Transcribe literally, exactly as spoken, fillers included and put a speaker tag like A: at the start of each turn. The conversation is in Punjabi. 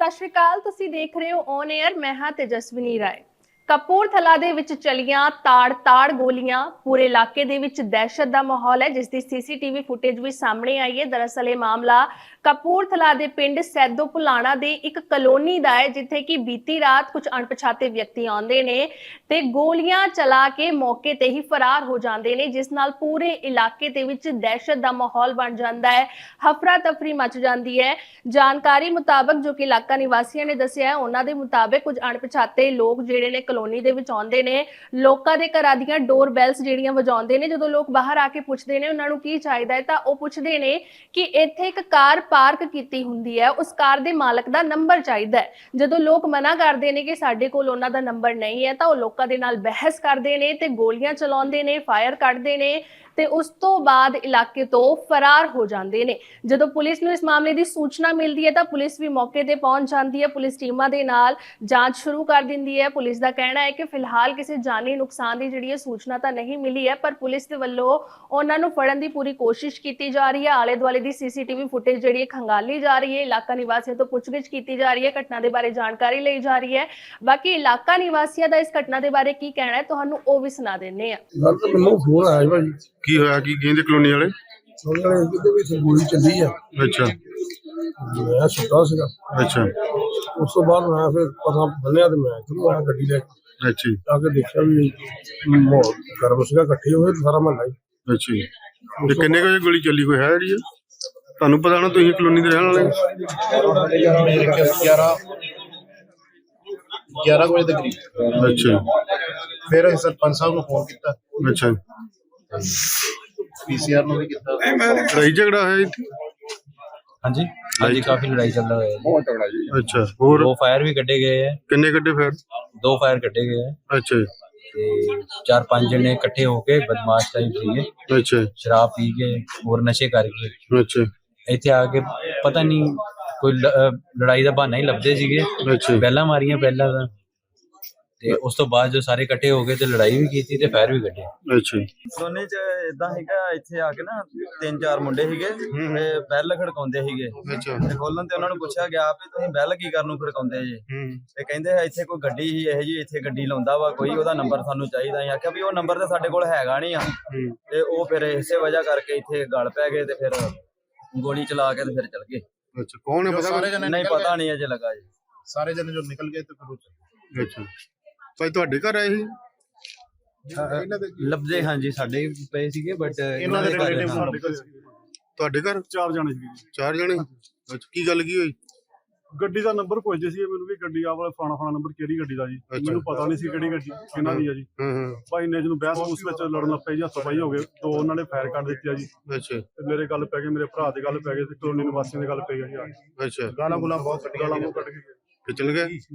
A: ਸਤਿ ਸ਼੍ਰੀ ਅਕਾਲ। ਤੁਸੀਂ ਦੇਖ ਰਹੇ ਹੋ ਔਨ 에ਅਰ। ਮੈਂ ਹਾਂ ਤੇਜਸਵਨੀ ਰਾਏ। ਕਪੂਰਥਲਾ ਦੇ ਵਿੱਚ ਚਲੀਆਂ ਤਾੜ-ਤਾੜ ਗੋਲੀਆਂ। ਪੂਰੇ ਇਲਾਕੇ ਦੇ ਵਿੱਚ ਦਹਿਸ਼ਤ ਦਾ ਮਾਹੌਲ ਹੈ, ਜਿਸ ਦੀ ਸੀਸੀਟੀਵੀ ਫੁਟੇਜ ਵੀ ਸਾਹਮਣੇ ਆਈ ਹੈ। ਦਰਅਸਲ ਇਹ ਮਾਮਲਾ ਕਪੂਰਥਲਾ ਦੇ ਪਿੰਡ ਸੈਦੋ ਭੁਲਾਣਾ ਦੇ ਇੱਕ ਕਲੋਨੀ ਦਾ ਹੈ, ਜਿੱਥੇ ਕਿ ਬੀਤੀ ਰਾਤ ਕੁਝ ਅਣਪਛਾਤੇ ਵਿਅਕਤੀ ਆਉਂਦੇ ਨੇ ਤੇ ਗੋਲੀਆਂ ਚਲਾ ਕੇ ਮੌਕੇ ਤੇ ਹੀ ਫਰਾਰ ਹੋ ਜਾਂਦੇ ਨੇ, ਜਿਸ ਨਾਲ ਪੂਰੇ ਇਲਾਕੇ ਦੇ ਵਿੱਚ ਦਹਿਸ਼ਤ ਦਾ ਮਾਹੌਲ ਬਣ ਜਾਂਦਾ ਹੈ। ਹਫਰਾ ਤਫਰੀ ਮਚ ਜਾਂਦੀ ਹੈ। ਜਾਣਕਾਰੀ ਮੁਤਾਬਕ ਜੋ ਕਿ ਇਲਾਕਾ ਨਿਵਾਸੀਆਂ ਨੇ ਦੱਸਿਆ ਹੈ, ਉਹਨਾਂ ਦੇ ਮੁਤਾਬਕ ਕੁਝ ਅਣਪਛਾਤੇ ਲੋਕ ਜਿਹੜੇ ਨੇ ਕਲੋਨੀ ਦੇ ਵਿੱਚ ਆਉਂਦੇ ਨੇ, ਲੋਕਾਂ ਦੇ ਘਰਾਂ ਦੀਆਂ ਡੋਰ ਬੈਲਸ ਜਿਹੜੀਆਂ ਵਜਾਉਂਦੇ ਨੇ। ਜਦੋਂ ਲੋਕ ਬਾਹਰ ਆ ਕੇ ਪੁੱਛਦੇ ਨੇ ਉਹਨਾਂ ਨੂੰ ਕੀ ਚਾਹੀਦਾ ਹੈ, ਤਾਂ ਉਹ ਪੁੱਛਦੇ ਨੇ ਕਿ ਇੱਥੇ ਇੱਕ ਕਾਰ ਪਾਰਕ ਕੀਤੀ ਹੁੰਦੀ ਹੈ, ਉਸ ਕਾਰ ਦੇ ਮਾਲਕ ਦਾ ਨੰਬਰ ਚਾਹੀਦਾ ਹੈ। ਜਦੋਂ ਲੋਕ ਮਨਾ ਕਰਦੇ ਨੇ ਕਿ ਸਾਡੇ ਕੋਲ ਉਹਨਾਂ ਦਾ ਨੰਬਰ ਨਹੀਂ ਹੈ, ਤਾਂ ਉਹ ਲੋਕਾਂ ਦੇ ਨਾਲ ਬਹਿਸ ਕਰਦੇ ਨੇ ਤੇ ਗੋਲੀਆਂ ਚਲਾਉਂਦੇ ਨੇ, ਫਾਇਰ ਕੱਢਦੇ ਨੇ ਤੇ ਉਸ ਤੋਂ ਬਾਅਦ ਇਲਾਕੇ ਤੋਂ ਫਰਾਰ ਹੋ ਜਾਂਦੇ ਨੇ। ਜਦੋਂ ਪੁਲਿਸ ਨੂੰ ਇਸ ਮਾਮਲੇ ਦੀ ਸੂਚਨਾ ਮਿਲਦੀ ਹੈ ਤਾਂ ਪੁਲਿਸ ਵੀ ਮੌਕੇ ਤੇ ਪਹੁੰਚ ਜਾਂਦੀ ਹੈ। ਪੁਲਿਸ ਟੀਮਾਂ ਦੇ ਨਾਲ ਜਾਂਚ ਸ਼ੁਰੂ ਕਰ ਦਿੰਦੀ ਹੈ। ਪੁਲਿਸ ਦਾ ਕਹਿਣਾ ਹੈ ਕਿ ਫਿਲਹਾਲ ਕਿਸੇ ਜਾਨੀ ਨੁਕਸਾਨ ਦੀ ਜਿਹੜੀ ਹੈ ਸੂਚਨਾ ਤਾਂ ਨਹੀਂ ਮਿਲੀ ਹੈ, ਪਰ ਪੁਲਿਸ ਦੇ ਵੱਲੋਂ ਉਹਨਾਂ ਨੂੰ ਫੜਨ ਦੀ ਪੂਰੀ ਕੋਸ਼ਿਸ਼ ਕੀਤੀ ਜਾ ਰਹੀ ਹੈ। ਆਲੇ ਦੁਆਲੇ ਦੀ ਸੀਸੀਟੀਵੀ ਫੁਟੇਜ ਜਿਹੜੀ ਹੈ ਖੰਗਾਲੀ ਜਾ ਰਹੀ ਹੈ। ਇਲਾਕਾ ਨਿਵਾਸੀਆਂ ਤੋਂ ਪੁੱਛਗਿੱਛ ਕੀਤੀ ਜਾ ਰਹੀ ਹੈ, ਘਟਨਾ ਦੇ ਬਾਰੇ ਜਾਣਕਾਰੀ ਲਈ ਜਾ ਰਹੀ ਹੈ। ਬਾਕੀ ਇਲਾਕਾ ਨਿਵਾਸੀਆਂ ਦਾ ਇਸ ਘਟਨਾ ਦੇ ਬਾਰੇ ਕੀ ਕਹਿਣਾ ਹੈ, ਤੁਹਾਨੂੰ ਉਹ ਵੀ ਸੁਣਾ ਦਿੰਦੇ ਆ।
B: ਮੈਨੂੰ ਫੋਨ ਆਇਆ ਭਾਈ,
C: ਕੀ ਹੋਇਆ? ਕੀ ਕਹਿੰਦੇ ਕਲੋਨੀ ਵਾਲੇ?
B: ਉਹਨਾਂ ਕਿਤੇ ਵੀ ਗੋਲੀ ਚੱਲੀ ਆ।
C: ਅੱਛਾ
B: ਮੈਂ ਸੁੱਤਾ ਸੀਗਾ।
C: ਅੱਛਾ
B: ਉਸ ਤੋਂ ਬਾਅਦ ਮੈਂ ਫਿਰ ਪਤਾ ਬੰਨਿਆ ਤੇ ਮੈਂ ਚਲੋ ਆ ਗੱਡੀ ਲੈ ਕੇ
C: ਅੱਛਾ ਜੀ,
B: ਆ ਕੇ ਦੇਖਿਆ ਵੀ ਮਾਹੌਲ ਗਰਮ ਸੀਗਾ, ਇਕੱਠੇ ਹੋਏ ਸਾਰਾ ਮਹੱਲਾ ਹੀ।
C: ਅੱਛਾ ਜੀ। ਤੇ ਕਿੰਨੇ ਕੁ ਵਜੇ ਗੋਲੀ ਚੱਲੀ? ਕੋਈ ਹੈ ਜਿਹੜੀ ਹੈ? ਤੁਹਾਨੂੰ ਪਤਾ ਹੋਣਾ, ਤੁਸੀਂ ਕਲੋਨੀ ਦੇ ਰਹਿਣ ਵਾਲੇ।
D: ਗਿਆਰਾਂ ਗਿਆਰਾਂ ਵਜੇ ਦੇ ਕਰੀਬ।
C: ਅੱਛਾ
D: ਫਿਰ ਅਸੀਂ ਸਰਪੰਚ ਸਾਹਿਬ ਨੂੰ ਫੋਨ ਕੀਤਾ,
C: ਅੱਛਾ।
D: ਪੀਸੀਆਰ ਨੂੰ ਵੀ ਕੀਤਾ।
C: ਲੜਾਈ ਝਗੜਾ ਹੋਇਆ ਇੱਥੇ?
E: ਹਾਂਜੀ ਹਾਂਜੀ ਕਾਫੀ ਲੜਾਈ ਚੱਲ रहा है।
D: ਬਹੁਤ ਤਗੜਾ ਜੀ।
C: ਅੱਛਾ, ਹੋਰ
E: दो फायर भी कटे गए हैं।
C: ਕਿੰਨੇ ਕੱਢੇ ਫਿਰ?
E: दो फायर कटे गए हैं
C: ਅੱਛਾ ਜੀ,
E: ਤੇ ਚਾਰ ਪੰਜ ਜਣੇ ਇਕੱਠੇ ਹੋ ਕੇ ਬਦਮਾਸ਼ ਟਾਈਪ ਸੀਗੇ,
C: ਅੱਛਾ
E: ਸ਼ਰਾਬ ਪੀ ਕੇ ਹੋਰ ਨਸ਼ੇ ਕਰਕੇ
C: ਅੱਛਾ
E: ਇੱਥੇ ਆ ਕੇ ਪਤਾ ਨਹੀਂ ਕੋਈ ਲ- ਅਹ ਲੜਾਈ ਦਾ ਬਹਾਨਾ ਹੀ ਲੱਭਦੇ ਸੀਗੇ।
C: ਅੱਛਾ
E: ਪਹਿਲਾਂ ਮਾਰੀਆਂ ਪਹਿਲਾਂ ਤਾਂ, ਤੇ ਉਸ ਤੋਂ ਬਾਅਦ ਜੋ ਸਾਰੇ ਇਕੱਠੇ ਹੋ ਗਏ ਤੇ ਲੜਾਈ ਵੀ ਕੀਤੀ ਤੇ ਫਾਇਰ ਵੀ ਕੱਢੇ।
C: ਅੱਛਾ ਜੀ,
F: ਦੋਨੇ ਚ ਇਦਾਂ ਹੈਗਾ, ਇੱਥੇ ਆ ਕੇ ਨਾ ਤਿੰਨ ਚਾਰ ਮੁੰਡੇ ਸੀਗੇ ਤੇ ਬੈਲ ਖੜਕਾਉਂਦੇ ਸੀਗੇ
C: ਅੱਛਾ
F: ਤੇ ਖੋਲਣ ਤੇ ਉਹਨਾਂ ਨੂੰ ਪੁੱਛਿਆ ਗਿਆ ਵੀ ਤੁਸੀਂ ਬੈਲ ਕੀ ਕਰਨ ਨੂੰ ਖੜਕਾਉਂਦੇ ਜੀ?
C: ਹੂੰ
F: ਤੇ ਕਹਿੰਦੇ ਹੈ ਇੱਥੇ ਕੋਈ ਗੱਡੀ ਹੀ ਇਹ ਜੀ ਇੱਥੇ ਗੱਡੀ ਲਾਉਂਦਾ ਵਾ ਕੋਈ, ਉਹਦਾ ਨੰਬਰ ਸਾਨੂੰ ਚਾਹੀਦਾ। ਅਸੀਂ ਆਖਿਆ ਵੀ ਉਹ ਨੰਬਰ ਤੇ ਸਾਡੇ ਕੋਲ ਹੈਗਾ ਨਹੀਂ ਆ।
C: ਹੂੰ
F: ਤੇ ਉਹ ਫਿਰ ਇਸੇ ਵਜ੍ਹਾ ਕਰਕੇ ਇੱਥੇ ਗਲ ਪੈ ਗਏ ਤੇ ਫਿਰ ਗੋਲੀ ਚਲਾ ਕੇ ਤੇ ਫਿਰ ਚਲ ਗਏ।
C: ਅੱਛਾ, ਕੌਣ ਹੈ ਪਤਾ?
D: ਸਾਰੇ ਜਣੇ
F: ਨਹੀਂ ਪਤਾ ਨਹੀਂ ਅਜੇ ਲੱਗਾ ਜੀ।
D: ਸਾਰੇ ਜਣੇ ਜੋ ਨਿਕਲ ਗਏ ਤੇ ਫਿਰ ਉਹ ਚੱਲੇ।
C: ਅੱਛਾ ਭਾਈ, ਤੁਹਾਡੇ ਘਰ ਆਏ ਸੀ?
D: ਇਹਨਾਂ ਦੇ
E: ਲੱਭਦੇ ਹਾਂਜੀ ਸਾਡੇ ਪਏ ਸੀਗੇ, ਬਟ
D: ਇਹਨਾਂ ਦੇ ਰਿਲੇਟਿਵ ਸਾਡੇ ਕੋਲ
C: ਤੁਹਾਡੇ ਘਰ
B: ਚਾਰ ਜਾਣੇ ਸੀ।
C: ਚਾਰ ਜਣੇ? ਅੱਛਾ, ਕੀ ਗੱਲ ਕੀ ਹੋਈ?
B: ਗੱਡੀ ਦਾ ਨੰਬਰ ਪੁੱਛਦੇ ਸੀ ਮੈਨੂੰ ਵੀ ਗੱਡੀ ਆ ਵਾਲਾ ਫਾਣਾ ਫਾਣਾ ਨੰਬਰ ਕਿਹੜੀ ਗੱਡੀ ਦਾ ਜੀ। ਮੈਨੂੰ ਪਤਾ ਨਹੀਂ ਸੀ ਕਿਹੜੀ ਗੱਡੀ ਕਿਹਨਾਂ ਦੀ ਆ ਜੀ।
C: ਹਾਂ ਹਾਂ
B: ਭਾਈ ਨੇ ਜਿਹਨੂੰ ਬਹਿਸ ਉਸ ਵਿੱਚ ਲੜਨ ਲੱਗ ਪਏ ਜੀ, ਹੱਥੋਂ ਪਾਈ ਹੋ ਗਏ। ਦੋ ਉਹਨਾਂ ਨੇ ਫਾਇਰ ਕਰ ਦਿੱਤੀ ਆ ਜੀ
C: ਅੱਛਾ
B: ਤੇ ਮੇਰੇ ਗੱਲ ਪੈ ਗਏ, ਮੇਰੇ ਭਰਾ ਦੇ ਗੱਲ ਪੈ ਗਏ ਤੇ ਕਲੋਨੀ ਨਿਵਾਸੀਆਂ ਦੇ ਗੱਲ ਪੈ ਗਈ ਜੀ।
C: ਅੱਛਾ,
D: ਗਾਲਾਂ ਗੁਲਾਂ ਬਹੁਤ ਕੱਢੀਆਂ।
B: ਗਾਲਾਂ ਮੂੰਹ ਕੱਢ ਕੇ
C: ਤੇ ਚਲ ਗਏ?